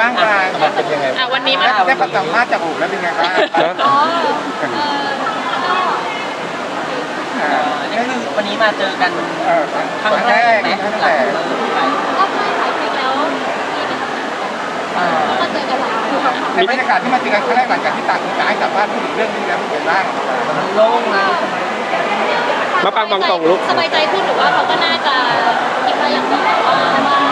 างปลางเป็นยังไงวันนี้มาได้ประสัมภาษณ์จากอู๋แล้วเป็นไงบ้างอ๋อนี่คือวันนี้มาเจอกันครั้งแรกไหมครั้งหแรลังกเลิกไปก็ไม่ถ่ายคลิปแล้วมีไปทำงานกันแล้วก็เจอกันหลายครั้งค่ะในบรรยากาศที่มาเจอกันครั้งแรกหลังจากที่ต่างคนต่างให้สัมภาษณ์พูดถึงเรื่องนี้แล้วเป็นไงบ้างมันโล่งนะมาปังตรงลูกสบายใจขึ้นหรือว่าเขาก็น่าจะคิดมาอย่างนี้ว่าก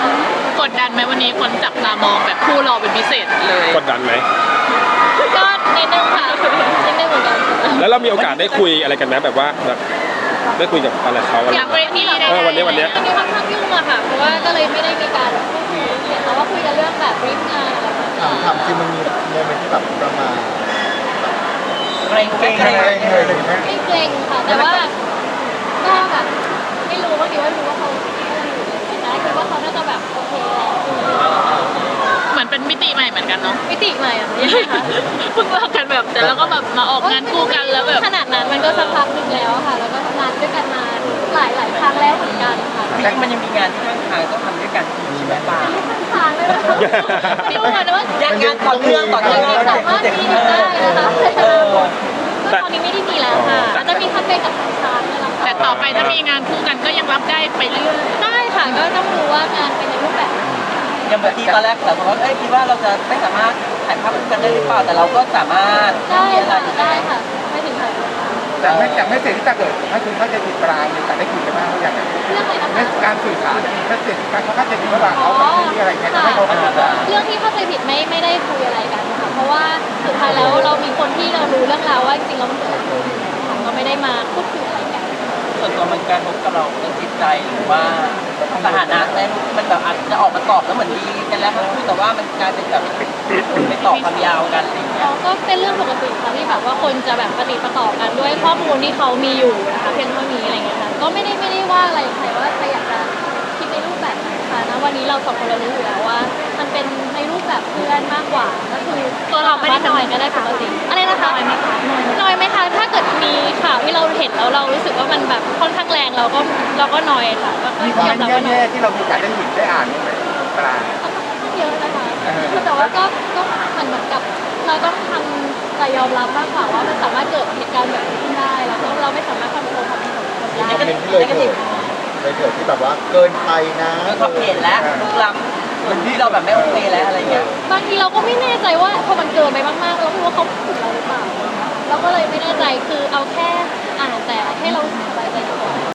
ดดันไหมวันนี้คนจับตามองแบบคู่เราเป็นพิเศษเลยกดดันไหมก็นิดนึงค่ะนิดนึงเหมือนกันแล้วเรามีโอกาสได้คุยอะไรกันไหมแบบว่าแบบได้คุยกับอะไรเขาอะไรหลังเวทีได้วันนี้มีค่อนข้างยุ่งอะค่ะเพราะว่าก็เลยไม่ได้มีการพูดคุยเห็นเขาว่าคุยกันเรื่องแบบบรีฟงานอะไรแบบนี้ถามจริงมันมีโมเมนต์ที่แบบประมาณเกรงเกรงไม่เกรงค่ะแต่ว่าก็แบบไม่รู้ว่าคิดว่ารู้ว่าเขาคิดอะไรอยู่แต่คิดว่าเขาน่าจะแบบโอเคแหละเหมือนเป็นมิติใหม่เหมือนกันเนาะมิติใหม่อะยังไงคะเพิ่งเลิกกันแบบแต่แล้วก็แบบมาออกงานคู่กันแล้วแบบขนาดนั้นมันก็สักพักหนึ่งแล้วค่ะ แล้วก็ทำงานด้วยกันมาหลายครั้งแล้วเหมือนกันค่ะจริงๆมันยังมีงานที่ข้างทางต้องทำด้วยกันใช่ไหมป้าไม่ทางเลยนะคะไม่รู้เหมือนกันว่างานต่อเนื่องต่อเนื่องสามารถมีได้นะคะตอนนี้ไม่ได้มีแล้วค่ะอาจจะมีคัมเปญกับทางช้างนี่แหละค่ะแต่ต่อไปถ้ามีงานคู่กันก็ยังรับได้ไปเรื่อยได้ค่ะก็ต้องดูว่างานเป็นในรูปแบบไหนยังแบบที่ตอนแรกเราบอกว่าคิดว่าเราจะไม่สามารถถ่ายภาพคู่กันได้หรือเปล่าแต่เราก็สามารถได้มีอะไรค่ะได้ค่ะไม่ถึงค่ะแต่ไม่เสร็จที่จะเกิดถ้าคุณเข้าใจผิดปรางมีการได้คุยกันบ้างหรือยังเรื่องอะไรนะเรื่คะองการสื่อสารถ้าเสร็จการเขาเข้าใจผิดระหว่างเขากับที่อะไรเงี้ยจะไม่เขาเข้าใจเรื่องที่เข้าใจผิดไม่ได้คุยอะไรกันค่ะเพราะว่าสุดท้ายแล้วเรามีคนที่เรารู้เรื่องราวว่าจริงๆแล้วมันเกิดอะไรขึ้นค่ะก็ไม่ได้มาพูดคุยอะไรกันส่วนตัวมันการพบกับเราเรื่องจิตใจหรือว่าสถานะแม่ลูกมันแบบอาจจะออกมาตอบแล้วเหมือนดีกันแล้วทั้งคู่แต่ว่ามันกลายเป็นแบบไม่ตอบคำยาวกันอะไรอย่างเงี้ยก็เป็นเรื่องปกติค่ะที่แบบว่าคนจะแบบปฏิปต่อกันด้วยข้อมูลที่เขามีอยู่นะคะเพียงเท่านี้อะไรเงี้ยค่ะก็ไม่ได้ว่าอะไรใครว่าใครอยากจะคิดในรูปแบบไหนค่ะนะวันนี้เราสองคนเรารู้อยู่แล้วว่า มันเป็นในรูปแบบเพื่อนมากกว่าก็คือตัวเราไม่ได้น้อยก็ได้ปกติอะไรนะคะน้อยไหมคะถ้าเกิดมีข่าวที่เราเห็นแล้วเรารู้สึกว่ามันแบบค่อนข้างแรงเราก็น้อยค่ะก็มีคยวาอมมรับว่าน้อยแย่ๆที่เรามีโอกาสได้เห็นได้อ่านบ้างไหมปรางเยอะนะคะคือแต่ว่าก็เหมือนกับเราต้องทำใจยอมรับมากกว่าว่ามันสามารถเกิดเหตุการณ์แบบนี้ขึ้นได้แล้วก็เราไม่สามารถควบคุมความคิดของคนได้เป็นที่เลยเกิดที่แบบว่าเกินไปนะความเห็นแล้วลุกล้ำเหมือนที่เราแบบไม่โอเคแล้วอะไรเงี้ยบางทีเราก็ไม่แน่ใจว่าพอมันเกินไปมากๆเราไม่รู้ว่าเขาผิดเราหรือเปล่าเราก็เลยไม่แน่ใจคือเอ